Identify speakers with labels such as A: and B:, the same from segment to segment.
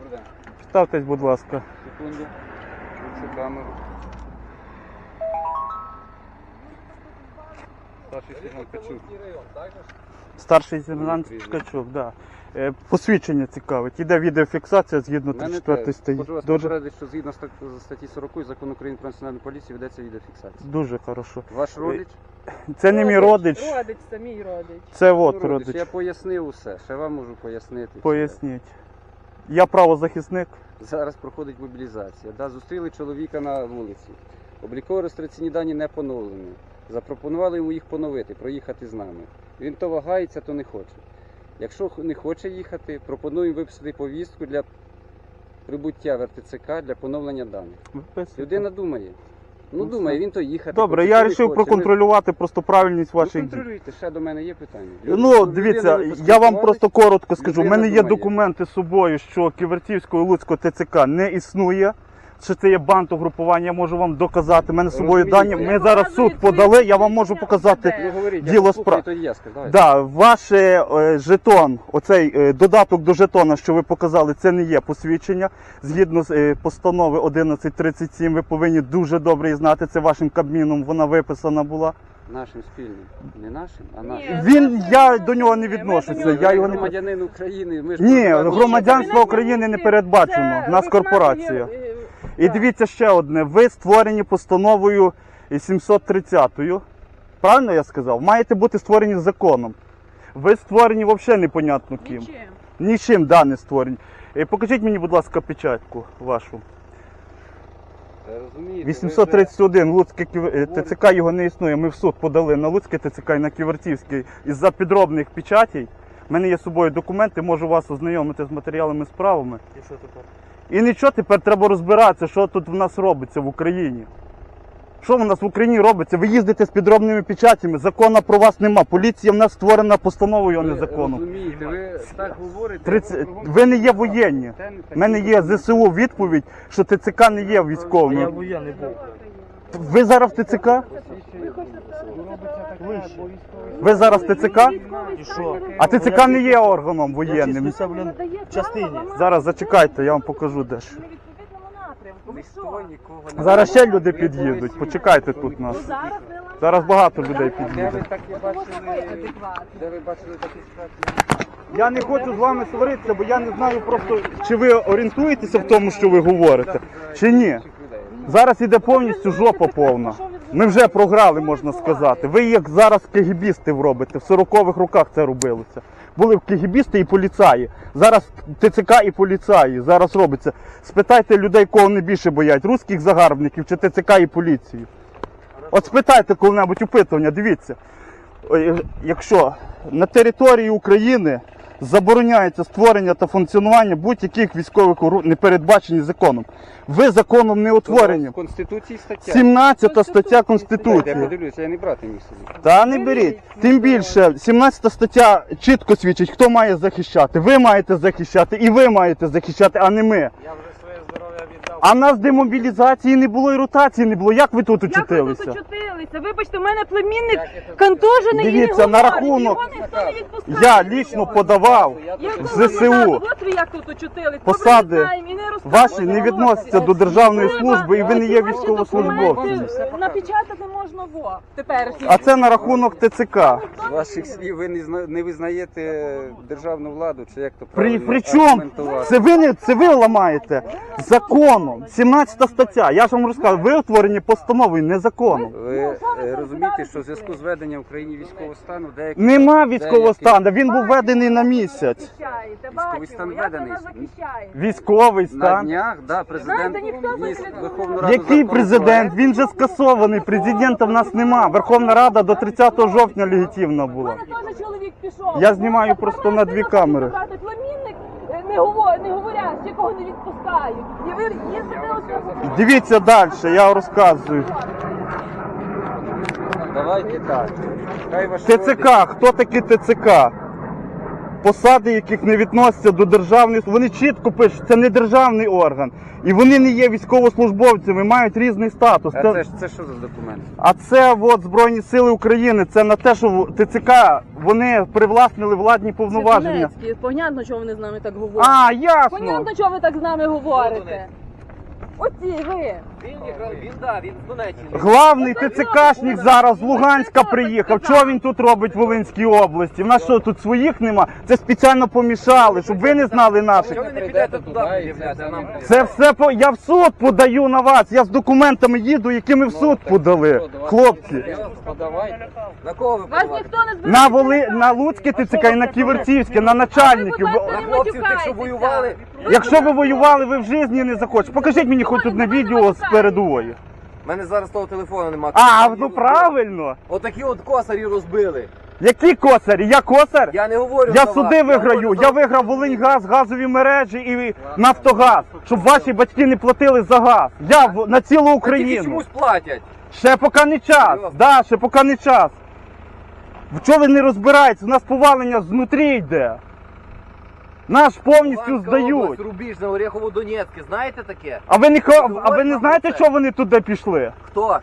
A: Добрий день.
B: Ставтесь, будь ласка.
A: Секунду. Включу камеру. Старший сержант Качук.
B: Старший сержант Ткачук, да. Посвідчення цікавить. Іде відеофіксація згідно 34 статті.
A: Хочу вас попередити, що згідно статті 40 Закону України про національну поліцію ведеться відеофіксація.
B: Дуже хорошо.
A: Ваш родич?
B: Це не мій родич.
C: Родич, це мій родич.
B: Це от
A: Родич.
B: родич.
A: Я пояснив усе, ще вам можу пояснити.
B: Поясніть. Я правозахисник.
A: Зараз проходить мобілізація. Да, зустріли чоловіка на вулиці. Обліково-реєстраційні дані не поновлені. Запропонували йому їх поновити, проїхати з нами. Він то вагається, то не хоче. Якщо не хоче їхати, пропонуємо виписати повістку для прибуття в РТЦК для поновлення даних. Людина думає. Ну думає, він то їхати.
B: Добре,
A: хоче,
B: я
A: то не
B: вирішив
A: хоче.
B: проконтролювати просто правильність
A: Ви
B: ваших дій.
A: контролюйте, ще до мене є питання.
B: Ну, дивіться, я вам просто коротко скажу. У
A: людина
B: мене є
A: думає.
B: документи з собою, що Ківерцівського і Луцького ТЦК не існує. Що це є бандугрупування, я можу вам доказати. У мене з собою
A: Розумієте.
B: дані. Ми зараз в суд подали, я вам можу показати.
A: Ну говоріть,
B: Діло
A: я послухаю,
B: справ-
A: тоді я скажу. Давайте.
B: Да, ваш жетон, оцей додаток до жетона, що ви показали, це не є посвідчення. Згідно з постанови 1137, ви повинні дуже добре її знати. Це вашим Кабміном вона виписана була.
A: Нашим спільним. Не нашим, а
C: Ні.
A: нашим.
B: Я до нього не
C: Ми
B: відношуся.
C: до нього
B: Я його не
A: Громадянин України. Ми ж
B: Ні,
A: просто-
B: громадянство України не передбачено. У нас корпорація. І дивіться ще одне. Ви створені постановою 730-ю. Правильно я сказав? Маєте бути створені законом. Ви створені взагалі непонятно ким.
C: Нічим.
B: Нічим, да, не створені. Покажіть мені, будь ласка, печатку вашу.
A: Розумієте,
B: 831, Луцьке ТЦК його не існує. Ми в суд подали на Луцьке ТЦК і на Ківертівський із-за підробних печатей. У мене є з собою документи, можу вас ознайомити з матеріалами справами.
D: І що тепер?
B: І нічого, тепер треба розбиратися, що тут в нас робиться в Україні. Що в нас в Україні робиться? Ви їздите з підробними печатями, закону про вас нема. Поліція в нас створена постановою, а не законом.
A: Розумієте, ви так говорите.
B: 30... Ви не є воєнні. У мене є ЗСУ відповідь, що ТЦК не є
D: Я
B: військовим.
D: воєнний був.
B: Ви зараз в ТЦК? Ви зараз в ТЦК?
D: І що?
B: А ТЦК не є органом воєнним.
D: Числюся, блін, в частині.
B: Зараз зачекайте, я вам покажу дещо.
C: Ми в відповідному напрямку. Ви
A: Ніхто
C: що?
A: нікого не
B: Зараз ще люди під'їдуть. Почекайте тут нас.
C: Ну зараз ви
B: Зараз багато людей
A: А де
B: під'їде.
A: ви такі
C: Тому
A: бачили?
C: що ви адекватні.
A: Де ви бачили такі ситуації?
B: Я не хочу з вами сваритися, бо я не знаю просто, чи ви орієнтуєтеся в тому, що ви говорите, чи ні. Зараз іде повністю жопа повна. Ми вже програли, можна сказати. Ви як зараз кегібістів робите, в 40-х роках це робилося. Були кегібісти і поліцаї. Зараз ТЦК і поліцаї. Зараз робиться. Спитайте людей, кого вони більше боять, русських загарбників чи ТЦК і поліцію. От спитайте коли-небудь опитування, дивіться. Якщо на території України забороняється створення та функціонування будь-яких військових не передбачені законом. Ви законом не утворені.
A: В Конституції стаття.
B: 17 стаття
A: Я
B: Конституції.
A: подивлюся, я не брати міг собі.
B: Та не беріть. Тим більше, 17 стаття чітко свідчить, хто має захищати. Ви маєте захищати і ви маєте захищати, а не ми.
D: Я вже своє здоров'я віддав.
B: А в нас демобілізації не було і ротації не було. Як ви тут
C: Як ви
B: очутилися?
C: тут очутилися? Вибачте, у мене племінник контужений і не
B: Дивіться, на
C: говорить.
B: рахунок-
C: Його ніхто не відпускає.
B: Я лічно подавав
C: Як
B: в
C: ви
B: ЗСУ.
C: назад? От ви як тут очутились.
B: Посади
C: Добре, знаємо, і не розказуйте.
B: Ваші не відносяться до державної служби і ви не є
C: Ваші
B: військовослужбовцем.
C: документи Напечатати можна во теперішні.
B: А це на рахунок ТЦК.
A: З ваших слів ви не визнаєте державну владу, чи як то
B: При
A: правильно
B: чому?
A: аргументувати?
B: Це ви ламаєте законом. 17 стаття. Я ж вам розказав, ви утворені постановою, не законом.
A: Ви розумієте, що в зв'язку з введенням в Україні військового стану деякі...
B: Нема військового стану, він був введений на місяць.
C: Захищаєте,
A: Військовий стан
C: бачимо, як ви
A: введений.
C: нас захищаєте.
B: Військовий
A: На
B: стан.
A: днях, да, президент
C: Знаєте, ніхто
A: вніс
C: не
A: в Верховну Раду
B: Який
A: законопроект.
B: президент? Він же скасований. Президента в нас нема. Верховна Рада до 30 жовтня легітимна
C: У
B: була.
C: мене теж чоловік пішов.
B: Я знімаю просто на 2 камери.
C: Племінник не говорять, якого не відпускають. І ви їздите оце.
B: Дивіться далі, я розказую.
A: Давайте так. Хай ваш
B: ТЦК, хто такі ТЦК? посади, яких не відносяться до державних, вони чітко пишуть, це не державний орган. І вони не є військовослужбовцями, мають різний статус.
A: А це що за документ?
B: А це от Збройні Сили України, це на те, що ТЦК, вони привласнили владні повноваження.
C: Понятно, чого вони з нами так говорять.
B: А, ясно.
C: Понятно, чого ви так з нами говорите. Оці ви.
D: Він з Донеччини.
B: Главний ТЦКшник зараз з Луганська приїхав. Чого він тут робить в Волинській області? В нас що, тут своїх нема? Це спеціально помішали, щоб ви не знали наших.
D: Чого ви не підете туди пред'являти, а нам
B: Це все я в суд подаю на вас. Я з документами їду, які ми в суд подали. Хлопці.
A: Подавайте.
D: На кого ви
C: Вас
D: подаваєте?
C: ніхто не збирає.
B: На Луцьке ТЦК і на Ківерцівське, на начальників.
D: На хлопців, тих, що воювали?
B: Якщо ви воювали, ви в житті не захочете. Покажіть мені хоч одне відео з передової.
D: У мене зараз того телефону немає.
B: А, ну правильно.
D: Отакі от косарі розбили.
B: Які косарі? Я косар?
D: Я не говорю
B: Я
D: за
B: суди
D: вас.
B: виграю.
D: говорю
B: Я
D: за-
B: виграв Волиньгаз, газові мережі і Нафтогаз, щоб ваші батьки не платили за газ. Я на цілу
D: Тільки
B: Україну.
D: чомусь платять.
B: Ще поки не час.
D: Серйозно?
B: Да, ще поки не час. В чого ви не розбираєтесь? У нас повалення знутрі йде. Наш повністю
D: Луганська
B: здають.
D: область, Рубіжне, Оріхово-Донецьке. Знаєте таке?
B: А ви не
D: Говорить нам
B: знаєте,
D: про це.
B: що вони туди пішли?
D: Хто?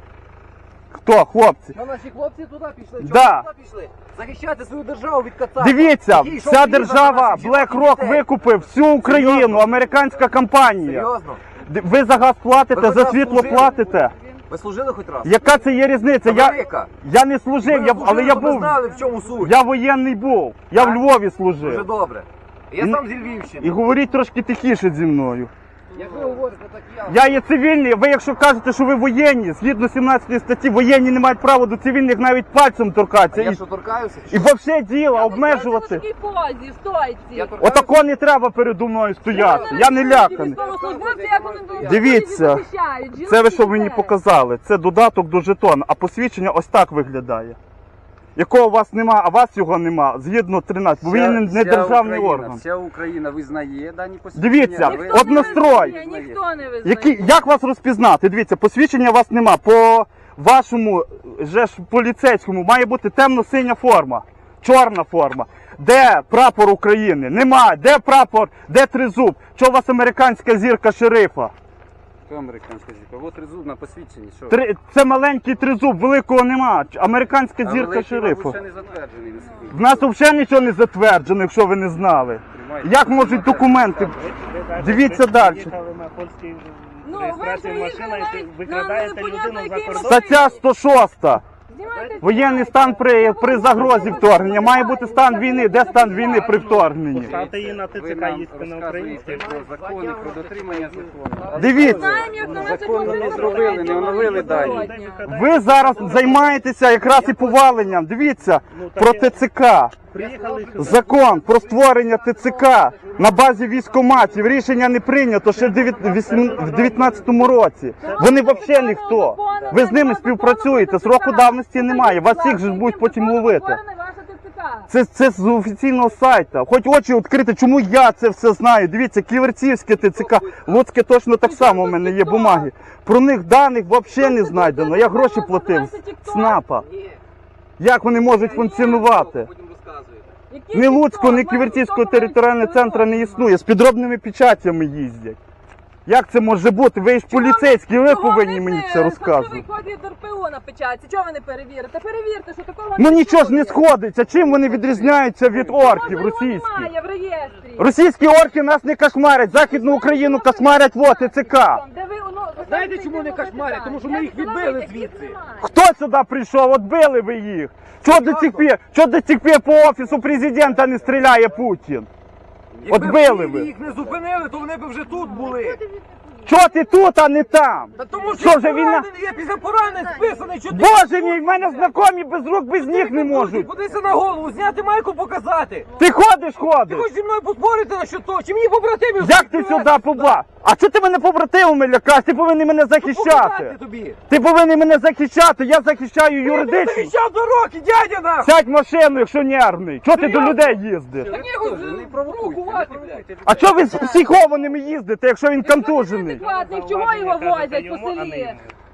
B: Хто, хлопці?
D: Що наші хлопці туди пішли? Чого
B: Да.
D: туди пішли? Захищати свою державу від кацапів.
B: Дивіться,
D: Який йшов
B: вся
D: війна за
B: держава
D: наших жінок і
B: BlackRock
D: дітей.
B: викупив всю Україну,
D: Серйозно?
B: американська компанія.
D: Серйозно?
B: Ви за газ платите,
D: Ви хоч
B: за
D: раз
B: світло
D: служили?
B: платите.
D: Ви служили хоч раз?
B: Яка це є різниця?
D: Америка.
B: Я не служив, але я
D: Ви
B: був.
D: знали, в чому суть.
B: Я воєнний був. Я в
D: Так?
B: Львові
D: Дуже
B: служив.
D: добре. Я
B: І-
D: сам зі Львівщини.
B: І говоріть трошки тихіше зі мною.
D: Як ви говорите, так я.
B: Я є цивільний, ви якщо кажете, що ви воєнні, згідно 17 статті, воєнні не мають права до цивільних навіть пальцем торкатися.
D: Я
B: І,
D: що торкаюся?
B: і взагалі діло,
C: В
B: обмежувати.
C: такій позі, стойці.
D: Я торкаюся?
B: Отако не треба передо мною стояти. Я не ляканий.
C: Військовослужбовці, як вони тут
B: Дивіться,
C: захищають, жінок
B: це ви
C: і
B: що мені
C: дітей.
B: показали? Це додаток до жетона, а посвідчення ось так виглядає. Якого у вас нема, а у вас його нема, згідно 13, бо він не державний орган.
A: Вся Україна визнає дані посвідчення.
B: Дивіться,
A: а ви-
C: Ніхто не
B: однострой.
C: визнає, Ніхто не визнає.
B: Як вас розпізнати? Дивіться, посвідчення у вас нема. По вашому же ж поліцейському має бути темно-синя форма, чорна форма. Де прапор України? Нема. Де прапор? Де тризуб? Чого у вас американська зірка шерифа?
A: Хто американська зірка? От тризуб на посвідченні. Що?
B: Це маленький тризуб, великого нема. Американська
A: А
B: зірка
A: великий,
B: шерифа.
A: мабуть, ще не затверджений. наскільки.
B: В нас взагалі нічого не затверджено, якщо ви не знали.
A: Тримайте.
B: Як можуть документи? Дивіться далі.
E: Їхали на польській
C: Ну, ви
E: реєстрації
C: приїхали
E: машина, і
C: навіть
E: викрадаєте
C: на непонятно
E: людину за
C: який
E: кордон.
B: Стаття 106.
C: Знімайте
B: Воєнний стан при загрозі вторгнення. Має бути стан війни. Де стан війни при вторгненні?
E: Поставте її на
A: Ви
E: ТЦК,
A: нам
E: їсти на
A: розказуєте
E: українській.
A: про закони, про дотримання закону.
B: Дивіться.
C: Знаємо, як на
A: Законно не зробили, не оновили дані.
B: Ви зараз займаєтеся якраз і поваленням. Дивіться, про ТЦК.
E: Приїхали сюди.
B: Закон про створення ТЦК на базі військкоматів. Рішення не прийнято ще в 19-му році. Вони взагалі ніхто. Ви з ними співпрацюєте, сроку давності немає. Вас всіх же будуть потім ловити. Це з офіційного сайту. Хоч очі відкрити, чому я це все знаю. Дивіться, Ківерцівське ТЦК, Луцьке точно так само, у мене є бумаги. Про них даних взагалі не знайдено. Я гроші платив з СНАПа. Як вони можуть функціонувати?
D: Потім розказуєте.
B: Ні Луцького, ні Ківерцівського територіального центру не існує. З підробними печатями їздять. Як це може бути? Ви ж поліцейські, ви повинні мені це розказувати.
C: Кодів РПО на печатці. Чого ви не перевірите? Перевірте, що такого
B: Ну нічого ж не
C: існує.
B: сходиться. Чим вони відрізняються від орків
C: Чого його
B: російських?
C: немає в реєстрі?
B: Російські орки нас не кошмарять, Західну Україну кошмарять в ТЦК.
C: Де ви,
D: Знаєте, чому не кошмарять? Тому що ми їх відбили звідси.
B: Хто сюди прийшов? От били ви їх. Чого до цих пір по офісу президента не стріляє Путін? От
D: Якби
B: били
D: в
B: ви.
D: Києві їх не зупинили, то вони б вже тут були.
B: Чого ти тут, а не там?
D: Та тому
B: Що
D: що
B: вже війна?
D: поранений, я після поранень списаний. Що ти
B: Боже мій, в мене знайомі без рук, без ніг не можуть.
D: Подивися на голову, зняти майку, показати.
B: Ти ходиш,
D: Ти
B: ходиш.
D: хочеш зі мною поспорити на що то? Чи мені побратимів?
B: Як ти сюди побла? А чого ти мене побратимами лякаєш? Ти повинен мене захищати.
D: Показати тобі.
B: Ти повинен мене захищати, я захищаю
D: Ти
B: юридично.
D: захищав до роки, дядя наш!
B: Сядь в машину, якщо нервний. Чого ти до людей їздиш?
A: Не провокуйте, не провокуйте.
B: А чого ви з психованими їздите, якщо він контужений?
C: Адекватних, чого його возять по селі?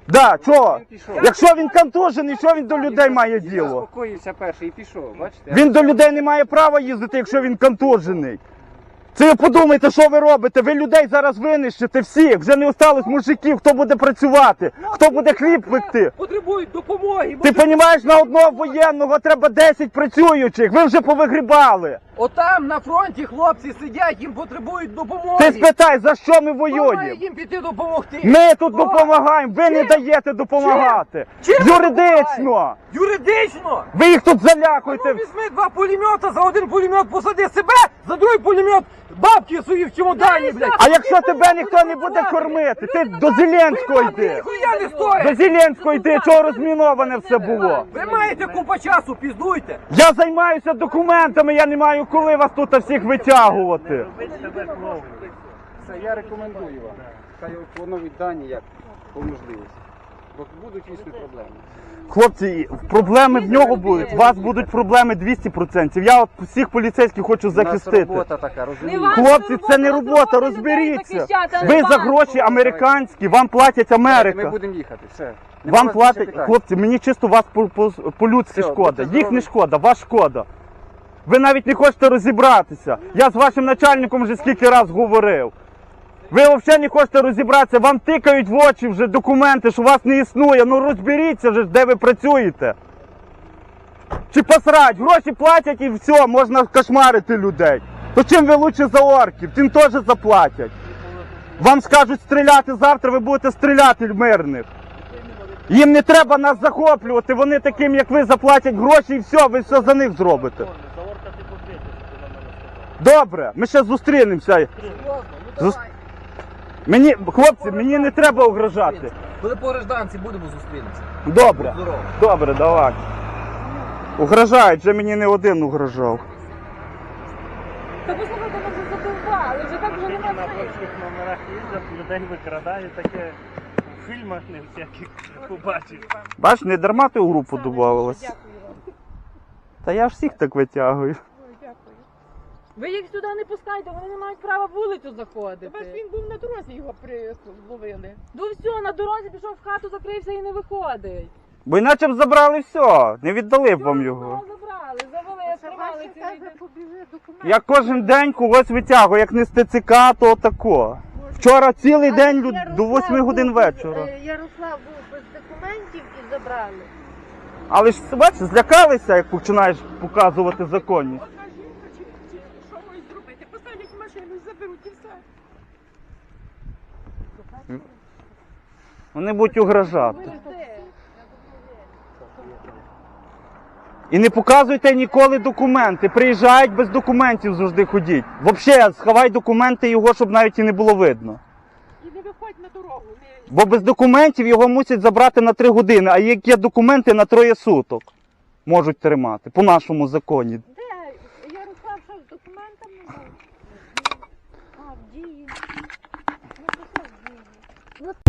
B: Да, чого?
A: Він пішов.
B: Якщо він контужений, що він до людей має
A: Він
B: діло?
A: заспокоївся перший і пішов, бачите?
B: Він до людей не має права їздити, якщо він контужений. Це ви подумайте, що ви робите? Ви людей зараз винищите всіх. Вже не осталось мужиків, хто буде працювати, хто буде хліб пекти.
D: Потребують допомоги.
B: Ти розумієш, на одного воєнного треба 10 працюючих. Ви вже повигрібали.
D: Отам на фронті хлопці сидять, їм потребують допомоги.
B: Ти спитай, за що ми
D: Хто має
B: воюємо?
D: їм піти допомогти?
B: Ми тут
D: Хто?
B: допомагаємо, ви не
D: Чим?
B: даєте допомагати.
D: Чим
B: Юридично.
D: Юридично?
B: Ви їх тут
D: Ну,
B: залякуєте.
D: візьми 2 пулемета, за один пулемет посади себе, за другий пулемет бабки свої в чемодані, блядь.
B: А якщо тебе ніхто не буде кормити, ти до Зеленського йди.
D: Ніхуя не
B: До
D: стоїть.
B: Зеленського йди, чого розміноване все було.
D: Ви маєте купа часу, піздуйте.
B: Я займаюся документами, я не маю коли вас тут всіх витягувати.
E: Робіть себе клоуном.
A: Це я рекомендую вам. Хай поновіть дані як по можливості. Бо будуть дійсно проблеми.
B: Хлопці, проблеми в нього будуть, у вас будуть проблеми 200%. Я от всіх поліцейських хочу
A: У нас
B: захистити.
A: робота така, розумієте?
C: ваша
B: Хлопці, це не
C: робота,
B: робота,
C: робота людей
B: розберіться.
C: захищати, а не
B: Ви за
C: банку.
B: гроші американські, вам платять
A: Ми
B: Америка.
A: будемо їхати, все. Нема
B: Вам
A: вас більше
B: платять,
A: питань.
B: хлопці, мені чисто вас по-людськи
A: Все,
B: шкода.
A: будьте
B: Їх не
A: здорові.
B: шкода, вас шкода. Ви навіть не хочете розібратися. Я з вашим начальником вже скільки раз говорив. Ви взагалі не хочете розібратися, вам тикають в очі вже документи, що вас не існує. Ну розберіться вже, де ви працюєте. Чи посрать, гроші платять і все, можна кошмарити людей. То чим ви лучше за орків, тим теж заплатять. Вам скажуть стріляти завтра, ви будете стріляти в мирних. Їм не треба нас захоплювати, вони таким, як ви, заплатять гроші і все, ви все за них зробите.
E: За орка ти посвітиш, ти нам не сказав.
B: Добре, ми ще зустрінемося. Мені, хлопці, мені не треба угрожати.
D: Коли по гражданці будемо зустрінемося.
B: Добре,
D: Здорово.
B: добре, давай. Угрожають, вже мені не один угрожав.
C: Та послухайте, ми вже задовбали, вже так вже
E: Тільки
C: нема
E: на
C: сенсу.
E: польських номерах їздять, людей викрадають, таке в фільмах не всяких побачиш.
B: Бач, не дарма ти у групу додавалась. Та я ж всіх так витягую.
C: Ви їх сюди не пускайте, вони не мають права вулицю заходити.
F: Бач, він був на дорозі, його зловили.
C: Ну все, на дорозі пішов в хату, закрився і не виходить.
B: Бо іначе б забрали все, не віддали б вам його.
C: Забрали, завели, тримали цілий день.
F: побіжи документ.
B: Я кожен день когось витягую, як не з ТЦК, то тако. Вчора цілий день до 8 годин вечора.
F: Ярослав був без документів і забрали.
B: Але ж бачиш, злякалися, як починаєш показувати законність.
F: Одна жінка чи що можуть зробити? Посадять в машину і заберуть і все.
B: Вони будуть угрожати. І не показуйте ніколи документи. Приїжджають без документів завжди ходіть. Взагалі, сховай документи його, щоб навіть і не було видно.
F: І не виходь на дорогу.
B: Бо без документів його мусять забрати на 3 години, а як є документи на 3 суток можуть тримати, по нашому законі.
F: Де? Ярослав що з документами був? А, в дії. Ну, то що в дії?